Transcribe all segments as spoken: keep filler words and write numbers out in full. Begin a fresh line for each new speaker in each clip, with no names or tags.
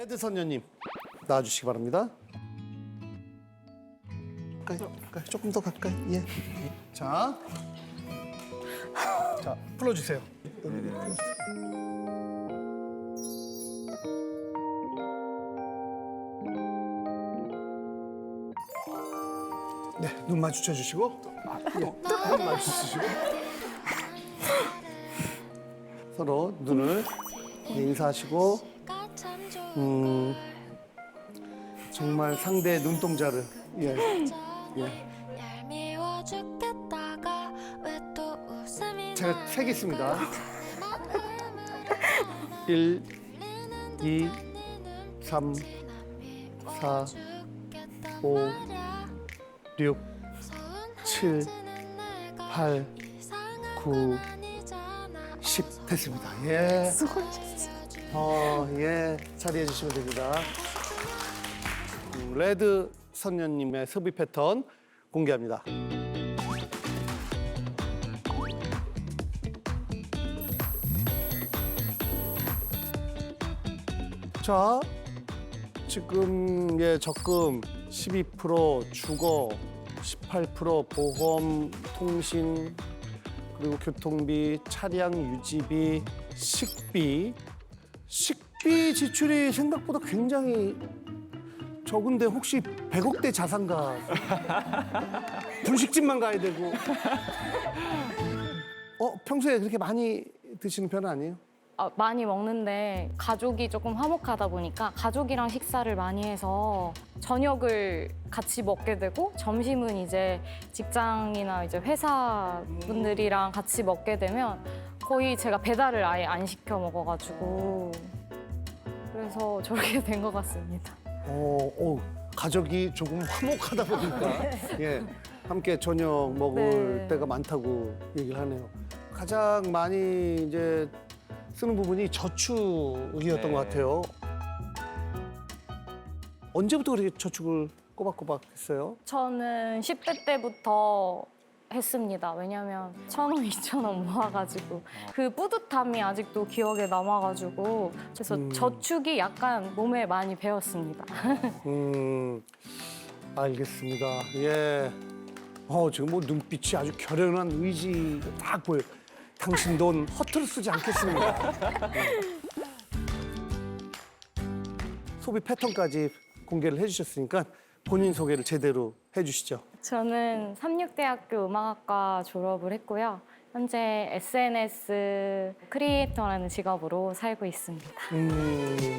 레드 선녀님 나와주시기 바랍니다. 가까이, 가까이, 조금 더 가까이. 예. 자, 자 불러주세요. 네, 눈 마주쳐 주시고, 예, 눈 마주치시고 서로 눈을 인사하시고, 음, 정말 상대의 눈동자를, 예, 예. 제가 세겠습니다. 일, 이, 삼, 사, 오, 육, 칠, 팔, 구, 십 됐습니다. 예. 어, 예. 자리해 주시면 됩니다. 음, 레드 선녀님의 섭외 패턴 공개합니다. 자, 지금 예 적금 십이 퍼센트, 주거 십팔 퍼센트, 보험, 통신, 그리고 교통비, 차량 유지비, 식비. 식비 지출이 생각보다 굉장히 적은데 혹시 백억대 자산가? 분식집만 가야 되고. 어, 평소에 그렇게 많이 드시는 편은 아니에요?
아, 많이 먹는데 가족이 조금 화목하다 보니까 가족이랑 식사를 많이 해서 저녁을 같이 먹게 되고 점심은 이제 직장이나 이제 회사 분들이랑 같이 먹게 되면 거의 제가 배달을 아예 안 시켜 먹어가지고 그래서 저렇게 된 것 같습니다.
어, 어, 가족이 조금 화목하다 보니까 예, 함께 저녁 먹을
네.
때가 많다고 얘기를 하네요. 가장 많이 이제 쓰는 부분이 저축이었던
네.
것 같아요. 언제부터 그렇게 저축을 꼬박꼬박 했어요?
저는 십 대 때부터 했습니다. 왜냐면 천 원, 이천 원 모아가지고 그 뿌듯함이 아직도 기억에 남아가지고 그래서
음.
저축이 약간 몸에 많이 배었습니다.
음, 알겠습니다. 예. 어, 지금 뭐 눈빛이 아주 결연한 의지가 딱 보여요. 당신 돈 허투루 쓰지 않겠습니다. 네. 소비 패턴까지 공개를 해주셨으니까 본인 소개를 제대로 해주시죠.
저는 삼육대학교 음악학과 졸업을 했고요. 현재 에스엔에스 크리에이터라는 직업으로 살고 있습니다.
음,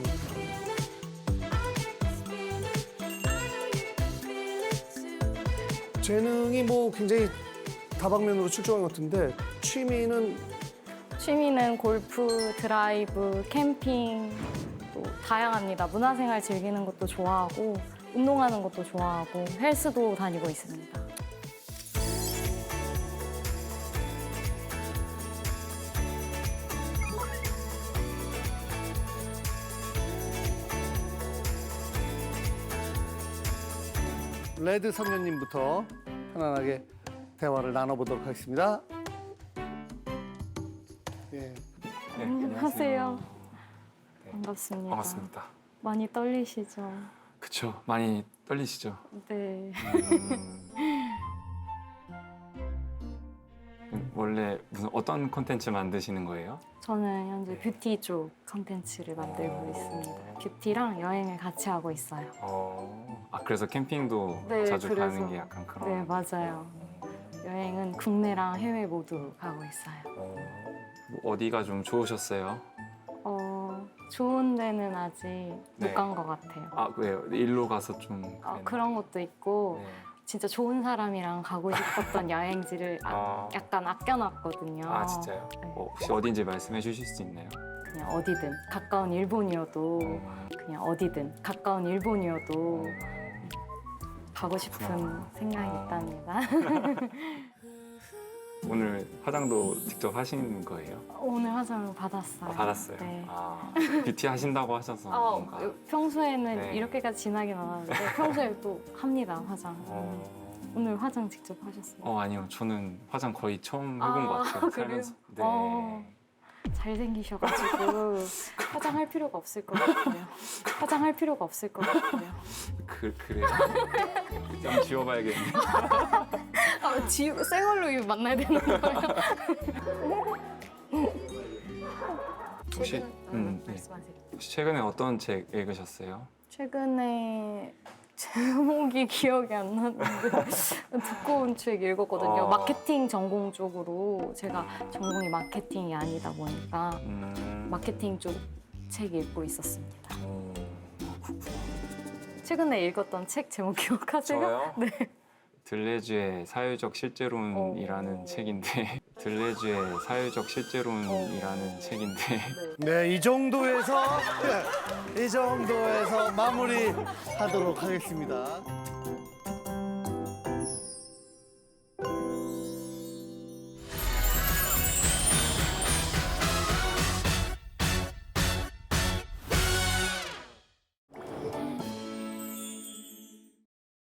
재능이 뭐 굉장히 다방면으로 출중한 것 같은데 취미는
취미는 골프, 드라이브, 캠핑 또 다양합니다. 문화생활 즐기는 것도 좋아하고 운동하는 것도 좋아하고 헬스도 다니고 있습니다.
레드 선녀님부터 편안하게 대화를 나눠보도록 하겠습니다. 예.
네,
안녕하세요. 반갑습니다.
반갑습니다.
많이 떨리시죠?
그쵸, 많이 떨리시죠?
네.
음, 원래 무슨 어떤 콘텐츠 만드시는 거예요?
저는 현재 뷰티 쪽 컨텐츠를 만들고
어.
있습니다. 뷰티랑 여행을 같이 하고 있어요.
어, 아 그래서 캠핑도
네,
자주
그래서-
가는 게 약간 그런.
네, 맞아요. 여행은 국내랑 해외 모두 가고 있어요.
어, 뭐 어디가 좀 좋으셨어요?
어, 좋은 데는 아직
네.
못 간 것 같아요.
아 왜요? 일로 가서 좀.
아,
그랬나?
그런 것도 있고
네.
진짜 좋은 사람이랑 가고 싶었던 여행지를 아,
아,
약간 아껴놨거든요.
아 진짜요?
네.
어, 혹시 어딘지 말씀해 주실 수 있나요?
그냥 어디든 가까운 일본이어도
음,
그냥 어디든 가까운 일본이어도 가고 싶은
그렇구나.
생각이
어.
있답니다.
오늘 화장도 직접 하시는 거예요?
오늘 화장을 받았어요.
아, 받았어요.
네.
아, 뷰티 하신다고 하셔서
아,
뭔가.
평소에는
네.
이렇게까지 진하게 안 하는데 평소에 또 합니다, 화장.
어,
오늘 화장 직접 하셨어요?
어 아니요, 저는 화장 거의 처음 해본
아,
것 같아요.
그래요?
살면서. 네.
어. 잘생기셔가지고 화장할 필요가 없을 것 같아요. 화장할 필요가 없을 것 같아요.
그 그래요? 좀 지워봐야겠네.
아, 지, 생얼로 이거 만나야 되는 거예요?
혹시 음, 네.
말씀하세요.
혹시 최근에 어떤 책 읽으셨어요?
최근에 제목이 기억이 안 나는데 두꺼운 책 읽었거든요.
어.
마케팅 전공 쪽으로 제가 전공이 마케팅이 아니다 보니까
음,
마케팅 쪽 책 읽고 있었습니다.
어,
최근에 읽었던 책 제목 기억하세요?
저요?
네.
들레즈의 사회적 실제론이라는
어.
책인데 들레즈의 사회적 실제론이라는 책인데
네, 이 정도에서 이 정도에서 마무리하도록 하겠습니다.